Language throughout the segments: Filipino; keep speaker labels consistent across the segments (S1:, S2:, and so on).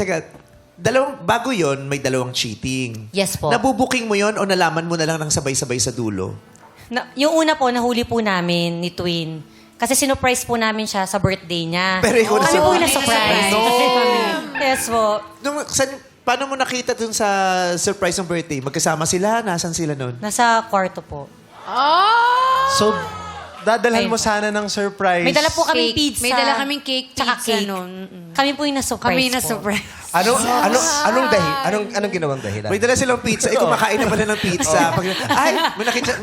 S1: Teka, bago yon may dalawang cheating.
S2: Yes po.
S1: Nabubuking mo yon o nalaman mo na lang ng sabay-sabay sa dulo?
S2: Yung una po, nahuli po namin ni Twin. Kasi sinurprise po namin siya sa birthday niya.
S1: Pero ikaw
S2: Kami po yung
S1: na-surprise.
S2: na-surprise. Yes po.
S1: Paano mo nakita dun sa surprise ng birthday? Magkasama sila? Nasaan sila nun?
S2: Nasa kwarto po.
S3: So, dadalhan
S2: Ayun
S3: mo
S2: po.
S3: sana ng surprise.
S2: May dala po kaming
S4: Cake.
S2: pizza.
S4: May dala kaming cake,
S2: Tsaka
S4: pizza
S2: cake.
S4: nun.
S2: Kami po yung na-surprise
S4: Kami
S2: po.
S4: na surprise.
S5: Anong ginawang dahilan?
S1: May dala silang pizza. Eh, kumakain na pala ng pizza. Ay, may nakita...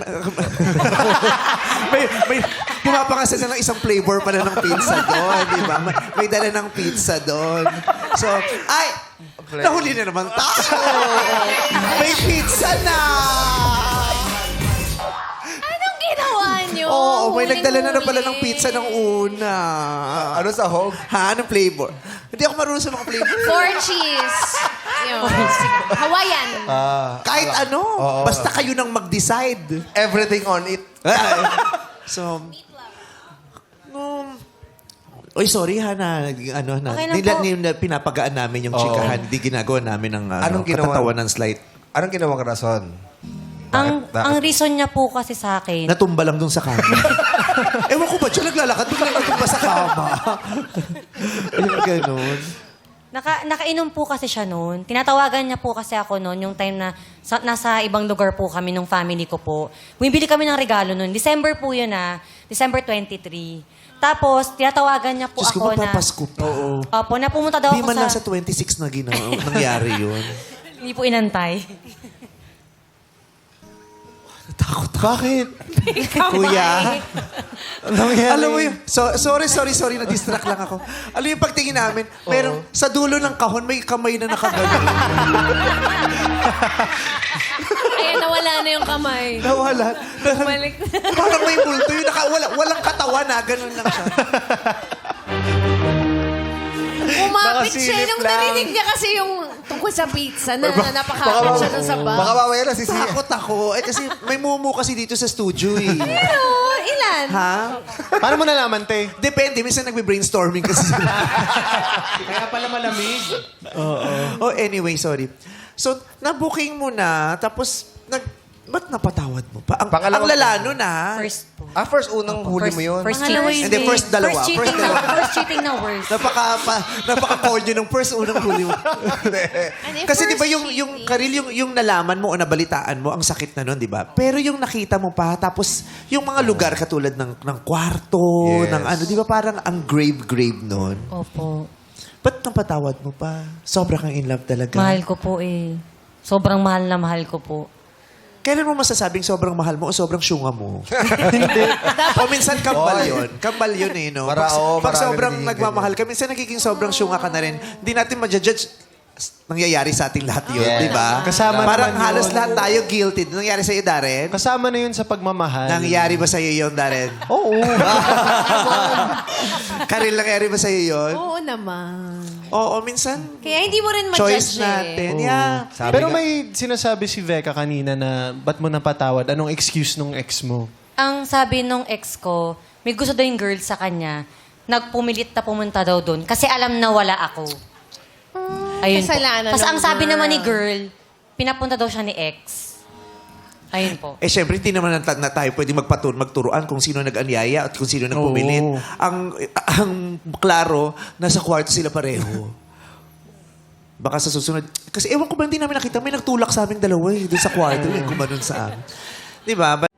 S1: may pumapangasa na ng isang flavor pala ng pizza doon, di ba? May dala ng pizza doon. So, ay! Nahuli na naman tayo! May pizza na!
S4: Anong ginawa niyo?
S1: Oo, may nagdala na pala ng
S4: Huling-huli.
S1: pizza ng una.
S5: Ano sa hog?
S1: Ha? Anong flavor? Hindi ako marunong sa mga flavor.
S4: 4 cheese. Yun. Hawaiian.
S1: Kahit ano. Basta kayo nang mag-decide.
S5: Everything on it.
S1: So, Oy, sorry ha na,
S2: Okay lang po.
S1: pinapagaan namin yung chikahan. Hindi ginagawa namin ng
S5: Anong ginawa?
S1: katatawan ng slight.
S5: Anong ginawang rason?
S2: Ang reason niya po kasi sa akin,
S1: Natumba lang dun sa kama. Ewan ko ba, siya naglalakad, biglang natumba sa kama. Yung ganun.
S2: nakainom po kasi siya noon. Tinatawagan niya po kasi ako noon, yung time na nasa ibang lugar po kami nung family ko po. Bumibili kami ng regalo noon. December po yun December 23. Tapos, tinatawagan niya po
S1: Diyos ko,
S2: ako na...
S1: mapapasko pa. Oo.
S2: Opo, na pumunta daw
S1: Di
S2: ako
S1: man lang sa 26 na nangyari yun.
S2: Hindi po inantay.
S1: Takot. Bakit?
S2: Kuya.
S1: Kuya.
S3: Nangyari.
S1: Alam mo yun, sorry, na-distract lang ako. Alam mo yung pagtingin namin, merong sa dulo ng kahon, may kamay na nakagano.
S4: Ayan, nawala na yung kamay.
S1: Nawala.
S4: Bumalik.
S1: Parang may multo yun. Walang katawan na, ganun lang siya.
S4: Umapit siya
S5: Nakasilip
S4: nung
S5: lang.
S4: narinig niya kasi yung tungkol sa pizza na napakapit siya dun sa bag.
S5: Baka mamaya na sisiya.
S1: Takot ako. Eh kasi may mumu kasi dito sa studio eh.
S4: Pero, ilan?
S1: Ha?
S3: Paano mo nalaman, te?
S1: Depende. Minsan nagbe-brainstorming kasi sila.
S3: Kaya pala malamig.
S1: Oh, anyway, sorry. So, na-booking mo na, tapos, ba't napatawad mo pa? Ang
S5: Pangalawang-
S1: lala nun ha.
S2: First po.
S5: First unang huli mo yun.
S2: First
S4: Pangalawa
S2: cheating.
S4: yun.
S1: Hindi, first dalawa.
S2: First cheating na. First cheating na worst.
S1: Napaka-corny nung first unang huli mo.
S4: Ano,
S1: Kasi di ba
S4: first
S1: yung
S4: cheating.
S1: Karil, yung nalaman mo o nabalitaan mo, ang sakit na nun, di ba? Pero yung nakita mo pa, tapos yung mga lugar katulad ng kwarto,
S5: Yes.
S1: ng ano, di ba parang ang grave nun?
S2: Opo.
S1: Ba't napatawad mo pa? Sobra kang in love talaga.
S2: Mahal ko po eh. Sobrang mahal na mahal ko po.
S1: Kailan mo masasabing sobrang mahal mo o sobrang syunga mo? O minsan kambal yun. Kambal yun eh, no? Pag
S5: marami
S1: sobrang
S5: nagiging
S1: nagmamahal ka, minsan nagiging sobrang syunga ka na rin. Hindi natin ma-judge. Nangyayari sa ating lahat yun,
S5: Yes.
S1: di ba?
S3: Kasama
S1: Parang
S3: naman
S1: halos
S3: yun.
S1: lahat tayo guilty. Nangyari sa'yo, Darren?
S3: Kasama na yun sa pagmamahal.
S1: Nangyari ba sa'yo yun, Darren?
S3: Oo.
S1: Karil, nangyari ba sa'yo yun?
S4: Oo naman.
S1: Oo, minsan.
S4: Kaya hindi mo rin ma-judge
S1: Choice natin. Yeah.
S5: Sabi
S3: Pero
S5: nga-
S3: may sinasabi si Veka kanina na ba't mo napatawad? Anong excuse nung ex mo?
S2: Ang sabi nung ex ko, may gusto daw yung girl sa kanya. Nagpumilit na pumunta daw doon kasi alam na wala ako. Ayun po.
S4: kasalanan
S2: Tapos
S4: ng
S2: ang sabi
S4: girl.
S2: naman ni girl, pinapunta daw siya ni ex. Ayun po.
S1: Eh, syempre, hindi naman na tayo pwede magturuan kung sino nag-anyaya at kung sino nagpumilit.
S3: Oo.
S1: Ang klaro, nasa kwarto sila pareho. Baka sa susunod. Kasi ewan ko ba, hindi namin nakita. May nagtulak sa aming dalawa eh, doon sa kwarto. Yung gumanon sa amin. Di ba?